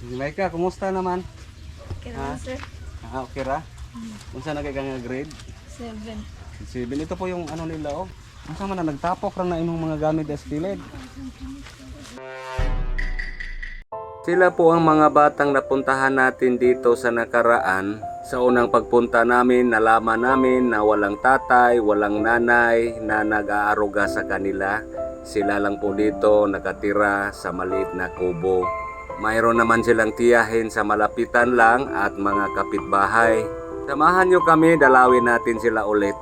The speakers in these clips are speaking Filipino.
Maika, kumusta naman? Okay Ha? naman, sir. Okay ra? Unsa na kay nga grade? 7. 7. Ito po yung ano nila oh. Unsa man na nagtapok ra na imong mga gamit as kilid. Sila po ang mga batang napuntahan natin dito sa nakaraan. Sa unang pagpunta namin, nalaman namin na walang tatay, walang nanay na nag-aaruga sa kanila. Sila lang po dito nakatira sa maliit na kubo. Mayroon naman silang tiyahin sa malapitan lang at mga kapitbahay. Samahan nyo kami, dalawin natin sila ulit.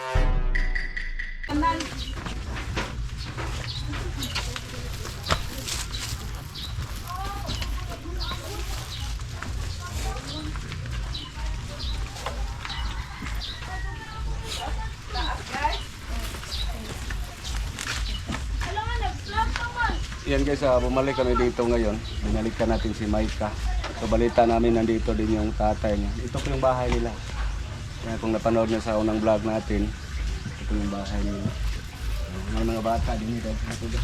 Yan guys, bumalik kami dito ngayon. Binalikan natin si Maika. So balita namin nandito din yung tatay niya. Ito po yung bahay nila. Kaya kung napanood niyo sa unang vlog natin, ito yung bahay nila. May mga bata din dito.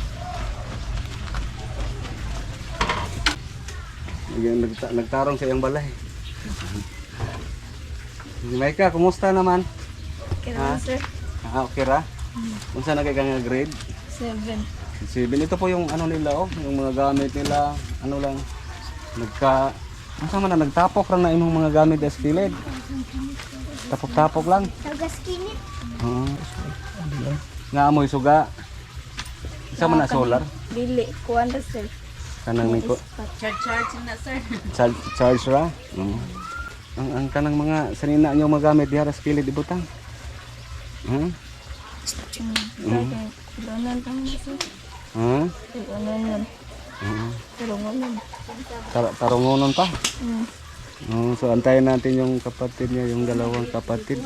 Nagtarong sa iyong balay. Si Maika, kumusta naman? Okay naman, sir. Okay ra? Unsa na kay nga grade? 7. 7. Ito po yung ano nila oh, yung mga gamit nila, ano lang, unsa man na nagtapok ra na imong mga gamit as kilid. Tapok-tapok lang. Tagaskinit. Oo. Nga amoy suga. Isa man na solar. Dili. Kuwan na, sir. Kanang niko. Charge na, sir. Charge ra. Oo. Ang kanang mga sanina nyo magamit diha sa kilid ibutang. Ilonan kami, sir. Ilonan yun. Tarungan yun. Tarungonon pa. So antayin natin yung kapatid niya, yung dalawang kapatid.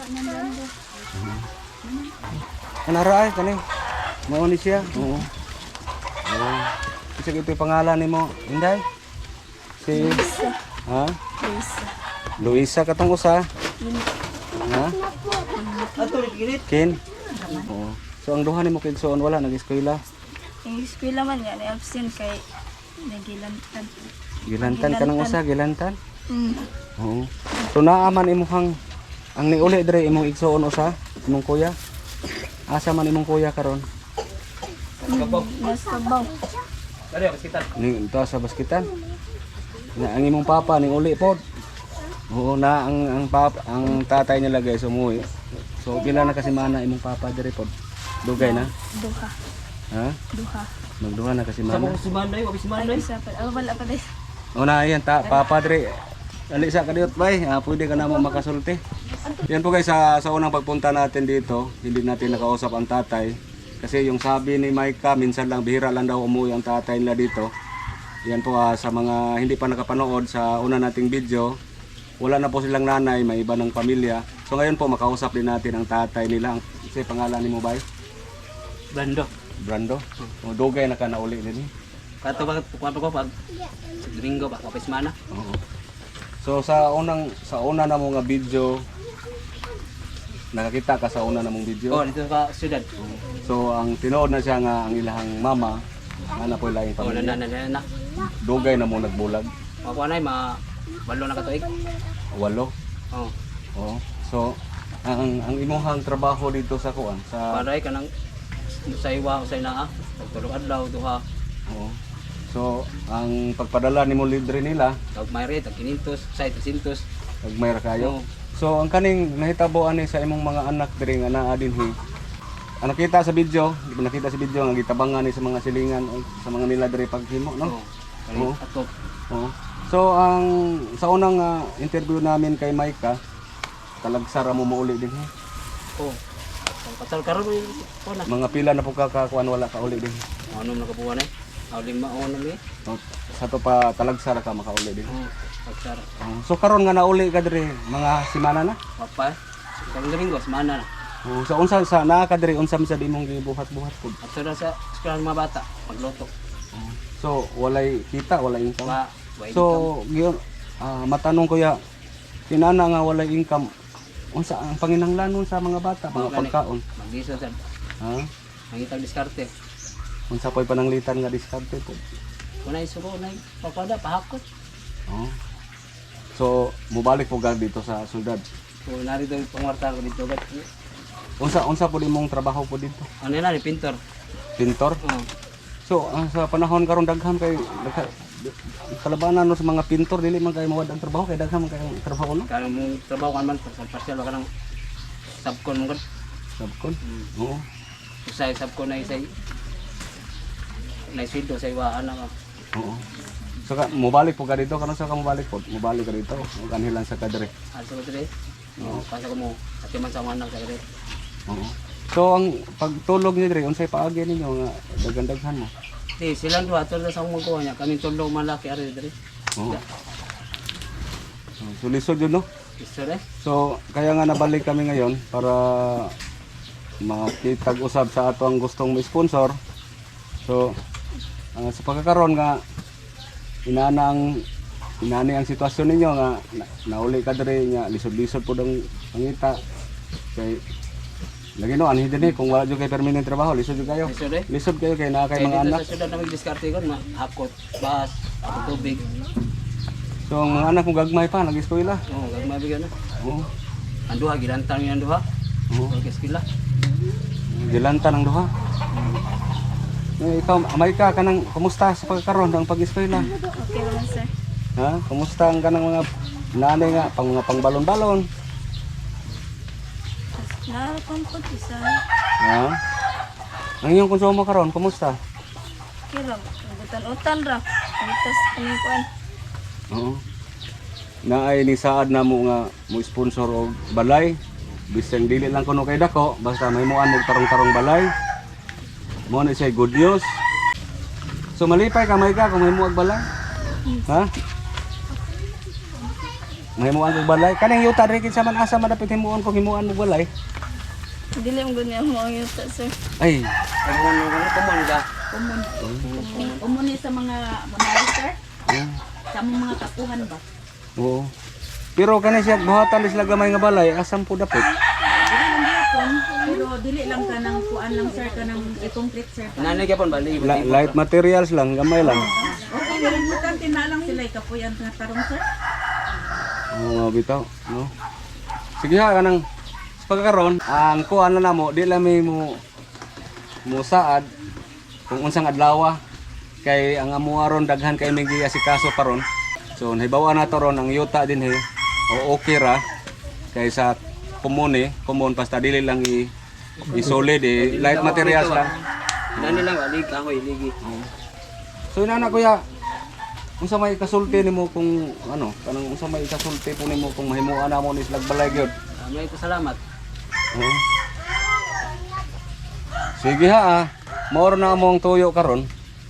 Anara ay kani. Mao ni siya. Oo. Kasi ito yung pangalan nimo, Inday? Si Luisa. Ha? Luisa. Luisa katong usa. Ha? Kin. Oo. So ang duha nimo kay igsoon wala nag-eskwela. Yung eskwela man nga, ni-absent kay nagilantan. Gilantan ka ng usa, gilantan. Mm. Oo. So naaman imuhang ang niuli dire imong igsoon usa, imong kuya. Asa man imong kuya karon? Nasa baw. Ni ito sa baskitan. Na ang imong papa ning uli pod. Oo na ang tatay nila guys umuwi. So pila na kasi mana imong papa dire pod. Dugay na. Duha. Ha? Duha. Magduha na kasi mana. Si Manday, wabis si Manday. Ay, isa pa. Oh, wala pa din. O na ayan ta papa dire. Ali sa kadiyot bay, pwede ka na mo makasulti. Yan po guys sa unang pagpunta natin dito, hindi natin nakausap ang tatay. Kasi yung sabi ni Maika, minsan lang bihira lang daw umuwi ang tatay nila dito. Yan po sa mga hindi pa nakapanood sa una nating video, wala na po silang nanay, may iba ng pamilya. So ngayon po makausap din natin ang tatay nila. Kasi pangalan ni mo bay? Brando. Brando. O dugay na ka na uli din. Kato ba ko pag sa Domingo ba kapis mana? Oo. So sa una na mong video, nakakita ka sa una na mong video. Oh, dito ka syudad. So ang tinuod na siya nga ang ilahang mama, ana po ilaing Oh, pamilya. na. Dugay na mo nagbulag. Ako anay balo na katuig. 8. Oh. Oo. So ang imuhang trabaho dito sa kuan sa Paray ka nang sa iwa sa ina pagtulog adlaw duha. oo. So ang pagpadala nimo libre nila Tag mayre tag 500, sa 300. pag may ra kayo. Oh. So ang kaning nahitaboan ni sa imong mga anak diri nga naa dinhi. Ang nakita sa video, di ba nakita sa video nga gitabangan ni sa mga silingan o sa mga nila diri paghimo, no? Oh. Kani Oo. ato. Oo. So ang sa unang interview namin kay Maika, talagsara mo mauli din. Oh. Ang patal karon ko na. Mga pila na po kakakuan wala ka uli din. Ano na kabuan eh? Aw lima o na mi. So, sa to pa talagsara ka makauli din. Oh. Pagsara. So karon nga nauli ka diri mga semana na. Papa. Sa Domingo semana na. So unsa sa naa ka diri unsa man sa imong gibuhat-buhat pud. At sa eskwelahan mga bata magluto. So walay kita, walay income. Wa wa So giyon matanong ko ya kinana nga walay income. Unsa ang panginahanglanon sa mga bata, mga pagkaon? Magdiso sa Ha? mangitag diskarte. Unsa pa'y pananglitan nga diskarte po? Kunay suko nay papada pahakot. Oh. So, mubalik po gad dito sa syudad. So narito yung pangwarta ko dito. Gat. Unsa po imong trabaho po dito? Ano na ni pintor. Pintor? Oh. So, sa panahon karon daghan kay kalabanan no sa mga pintor dili man kay mawad ang trabaho kay daghan man kay trabaho no. Kaya mong trabaho ka man sa partial ka nang subcon mo gud. Sabkon. Oo. Usay subcon na isay. Na sweldo sa iwaan na. Oo. So mobalik po ka dito karon sa ka mobalik po. Mobalik ka dito. Ug anhilan sa kadre. Aso ko dire. Oo, pasa ko mo. Ati man sa manang sa dire. Oo. So ang pagtulog niyo dire unsay paagi ninyo nga daghan-daghan mo? Di silang duha tol sa akong magkuha niya. Kami tulo malaki ari dire. Oo. So lisod yun no. Gusto rin. So kaya nga nabalik kami ngayon para makitag-usab sa ato ang gustong sponsor. So sa pagkakaroon nga inani ang sitwasyon ninyo nga nauli ka diri nga lisod-lisod pud ang pangita kay lagi no anhi dinhi kung wala jud kay permanent trabaho lisod jud kayo. Gusto rin. Lisod kayo kay naa kay Kaya mga dito anak. sa syudad na mag-diskarte ko, hakot, bas, tubig. So ang mga anak mo gagmay pa nag-eskwela. Oo, gagmay bigyan na. Oo. Ang duha, ginantang yung duha. Oo. Pagkaskila. Gilanta ng duha. Ikaw, amay ka kanang kumusta sa pagkakaroon ng pag-eskwela? Okay naman sir. Ha? Kumusta ang kanang mga nanay nga mga pangbalon-balon? Narapan po isa. Ha? Ang iyong konsumo karon kumusta? Kira, utan ra. Itas panikuan. Oo. Naay ni saad na mo nga mo sponsor og balay. Bisang dili lang kuno kay dako, basta may muan mo tarong-tarong balay. Mo na siya good news. So malipay ka may ka kung may muag balay. Ha? May muan og balay. Kanang yuta diri kinsa man asa madapit himuon kung himuan mo balay. Dili mo ganyan mo ang yuta sir. Ay, Kumon ka. Umuni sa mga sir, oo. sa mga kapuhan ba? Oo. Pero kanang siya buhatan di sila gamay nga balay, asam po dapit. Dili lang gyapon, pero dili lang ka ng kuan lang sir ka ng i-concrete sir. Nanay ka pon bali. Light materials lang, gamay lang. Okay, pero importante na lang sila ikapuyan nga tarong sir. Oo, bitaw, no. Sige ha kanang sa pagkakaroon, ang kuan na namo di lang may mo saad kung unsang adlaw kay ang amuaron daghan kay may giasikaso paron. So nahibawa na to ron ang yuta din o okay ra kay sa common basta dili lang i-solid light materials lang. Nanay lang bali ako iligi. So inana kuya, unsa may kasulti nimo kung ano, kanang unsa may kasulti po nimo kung mahimuan na mo ni slag balay gyud. May pasalamat. Oo. Sige ha, maor na among tuyo karon.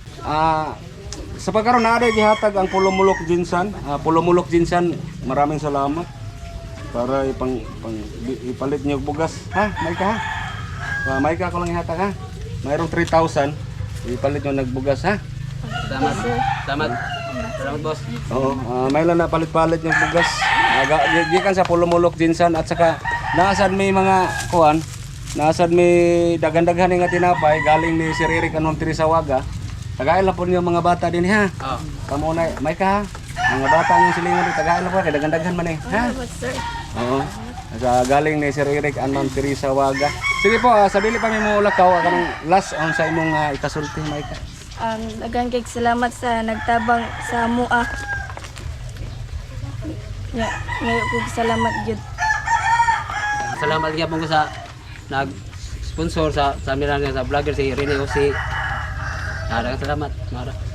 Sa pagkaroon na gihatag ang Pulumulok Jinsan. Pulumulok Jinsan, maraming salamat. Para ipalit niyo bugas. Ha, may ka ha? May ka ako lang ihatag ha. Mayroong 3,000. Ipalit niyo nagbugas ha. Salamat. Salamat. Salamat boss. Oo, may lang na palit-palit yung bugas. Gikan sa Pulumulok Jinsan at saka naasad may mga kuan. Naasad may dagan-daghan nga tinapay galing ni Sir Eric anon Trisawaga. Tagay lang po niyo mga bata din ha. Oh. Kamo na, may ka ha. Mga bata ang silingan din, tagay lang po kay dagan-daghan man ha. Sir. Oo. Sa galing ni Sir Eric anon Trisawaga. Sige po, sa dili pa mi mo lakaw kanang last on sa imong ikasulti may ka. Dagan kay salamat sa nagtabang sa mua. Ngayon ko salamat jud. Salamat gyapon ko sa nag-sponsor sa amin sa vlogger si Rene Osi. Daghang salamat. Mara.